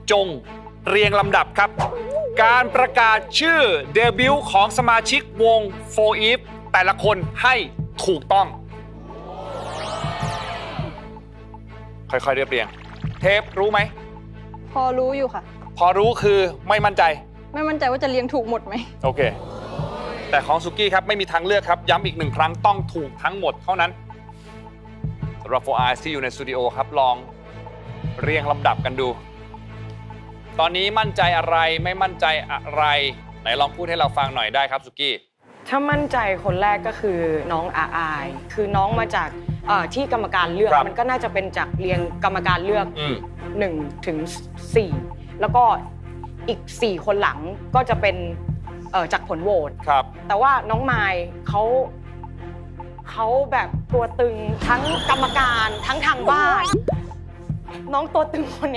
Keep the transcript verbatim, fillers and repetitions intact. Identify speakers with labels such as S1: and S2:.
S1: จงเรียงลำดับครับ การประกาศชื่อเดบิวต์ของสมาชิกวง โฟร์ อีฟ แต่ละคนให้ถูกต้อง ค่อยๆเรียบเรียง เทปรู้ไหม
S2: พอรู้อยู่ค่ะ
S1: พอรู้คือไม่มั่นใจ
S2: ไม่มั่นใจว่าจะเรียงถูกหมดไหม
S1: โอเค แต่ของสุกี้ครับไม่มีทางเลือกครับ ย้ำอีกหนึ่งครั้งต้องถูกทั้งหมดเท่านั้นสำหรับ โฟร์ Eyes ที่อยู่ในสตูดิโอครับลองเรียงลำดับกันดู ตอนนี้มั่นใจอะไรไม่มั่นใจอะไร ไหนลองพูดให้เราฟังหน่อยได้ครับสุกี้
S3: ถ้ามั่นใจคนแรกก็คือน้องอาอาย คือน้องมาจากเอ่อที่กรรมการเลือก
S1: ครับ
S3: มันก็น่าจะเป็นจากเรียงกรรมการเลือก
S1: อืม
S3: หนึ่งถึงสี่แล้วก็อีกสี่คนหลังก็จะเป็นเอ่อจากผลโหวต
S1: ครับ
S3: แต่ว่าน้องไมายเขาเขาแบบตัวตึงทั้งกรรมการทั้งทางบ้าน น้องตัวตึงคน